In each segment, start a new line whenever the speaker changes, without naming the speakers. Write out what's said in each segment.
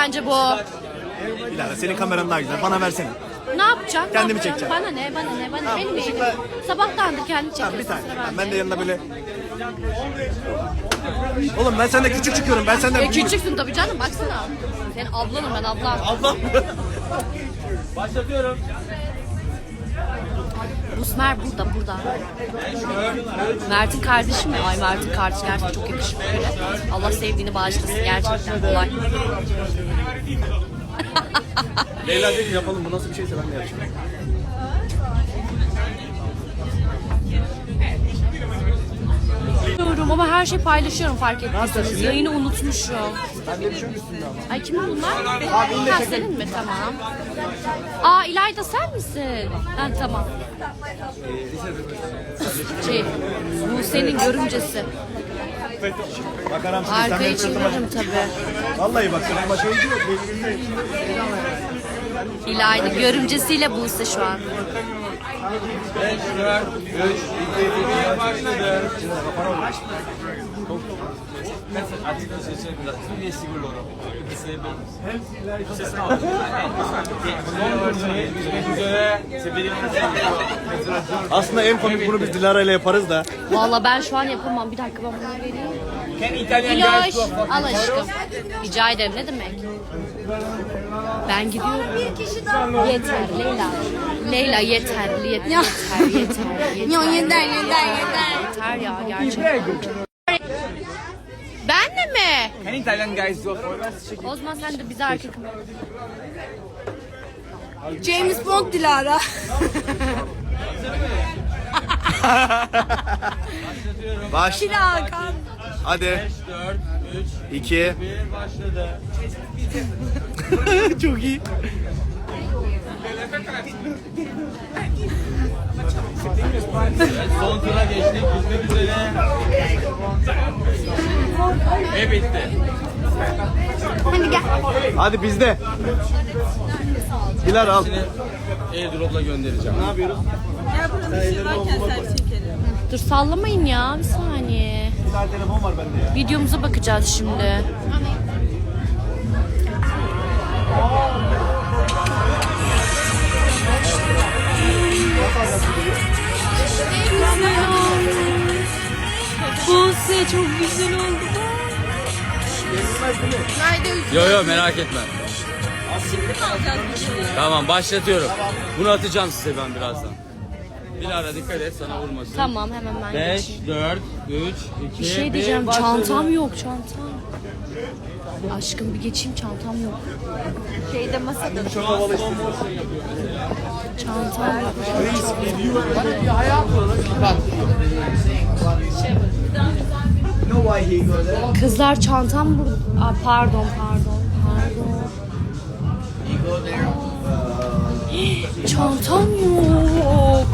bence bu.
Dilara senin kameran daha güzel. Bana versene.
Ne yapacağım?
Kendimi
Ne yapacağım?
çekeceğim.
Bana ne? Bana ne? Bana benim
ışıkla-
eğilim. Sabahtandır kendi
Tamam bir
çekiyorsun.
tane. Ben de yanına böyle... Oğlum ben senden küçük çıkıyorum. Ben senden büyüğüm.
Küçüksün tabii canım, baksana. Senin ablanım ben, ablam.
Ablam.
Başlatıyorum.
Busmer burada. Mert'in kardeşi mi? Ay Mert'in kardeşi gerçekten çok yakışıklı biri. Allah sevdiğini bağışlasın, gerçekten kolay.
Leyla dedi ki yapalım, bu nasıl bir şeyse ben de yapacağım.
Diyorum ama her şeyi paylaşıyorum, fark ettiyseniz. Yayını unutmuşum.
Ben de bir şey yok üstünde ama.
Ay kim bunlar? Ha, senin mi? Tamam. Aa İlayda sen misin? Ha tamam. Bu senin görümcesi.
Bakaram şimdi
Arkayı çeviririm tabii.
Vallahi bak senin başa yok.
İlayda görümcesiyle Buse şu an.
5, 4, 3, 2, 1, başladı.
Aslında en komik bunu biz Dilara ile yaparız da.
Vallahi ben şu an yapamam. Bir dakika ben bunu vereyim.
Can Italian
Diloş,
guys go?
al aşkım. Rica ederim, ne demek? Ben gidiyorum. Yeter Leyla. Leyla yeter. Yeter ya gerçekten. Ben de mi?
Can Italian guys go?
O zaman sen de bize erkek mi?
James Bond Dilara.
Baş.
Hakan.
Hadi.
5, 4, 3,
2.
1, başladı.
Çok iyi.
Son tura geçtik. Bitmek üzere. Ve bitti.
Hadi gel.
Hadi bizde. Dilara al.
Airdrop'la göndereceğim.
Ne yapıyoruz?
Dur sallamayın ya, bir saniye.
Bir tane telefon var bende ya.
Videomuza bakacağız şimdi. Buse çok güzel oldu.
Yo merak etme. Tamam başlatıyorum. Bunu atacağım size ben birazdan. Dilara dikkat et sana vurmasın.
Tamam hemen ben
5,
geçeyim.
4, 3, 2,
Bir şey
1,
diyeceğim,
başladı.
çantam yok, çantam. Aşkım bir geçeyim, çantam yok.
Şeyde masada.
Çok havalı işte.
Çantam yok. Kızlar çantam burada. Aa, pardon. Çantam yok.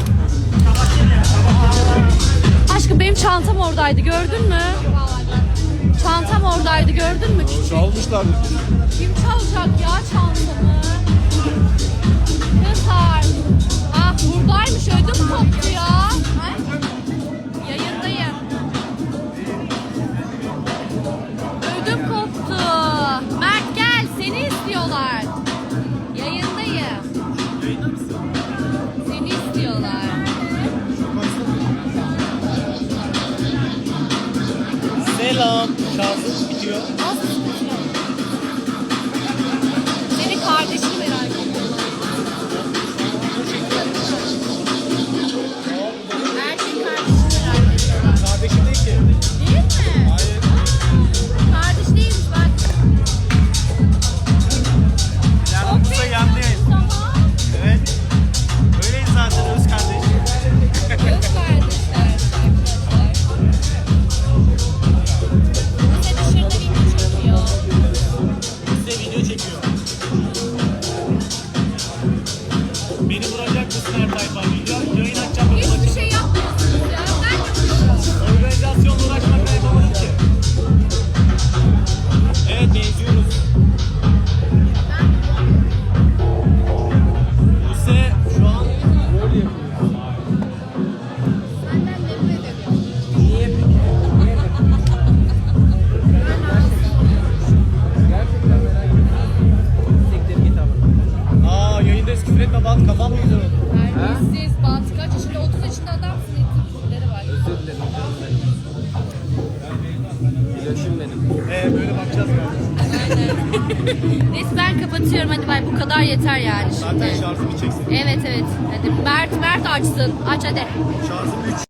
Aşkım benim çantam oradaydı, gördün mü? Çantam oradaydı, gördün mü küçük?
Çalmışlar.
Kim çalacak ya çantamı? Kızlar. Ah buradaymış, ödüm koptu ya. Yayındayım. Ödüm koptu. Mert gel, seni istiyorlar. Yayındayım. Seni istiyorlar.
Selam. Şarjım bitiyor.
Nasıl istiyor? Senin kardeşini merak ediyorum. Erkek kardeşini merak ediyorum.
Kardeşim değil ki.
Değil mi? Hayır. Kardeş değilmiş bak.
Yardımcısa yanındayız.
Tamam.
Evet. Öyleyiz zaten öz kardeş.
Öz kardeşler arkadaşlar. Bize dışarıda video çekiyor.
Size video çekiyor. Beni vuracak mısın her tayfa? Yayın açacağım.
Hiçbir şey yapmıyorsunuz ya. Ben yapıyorum.
Organizasyonla uğraşmakla yapamadım ki. Evet benziyoruz. Buse şu an rol yapıyor.
Senden nefret ediyorum.
Üretme bant kafam mı güzel oldu?
Terbiyesiz, bant kaç yaşında? 30 yaşında adamsın. Etkisileri var.
Özür dilerim canım benim. İlaçım benim.
Böyle bakacağız yani.
Aynen. Neyse ben kapatıyorum. Hadi bay bu kadar yeter yani şimdi.
Zaten şarjı bir çeksin.
Evet evet. Hadi Mert açsın. Aç hadi.
Şarjım 3.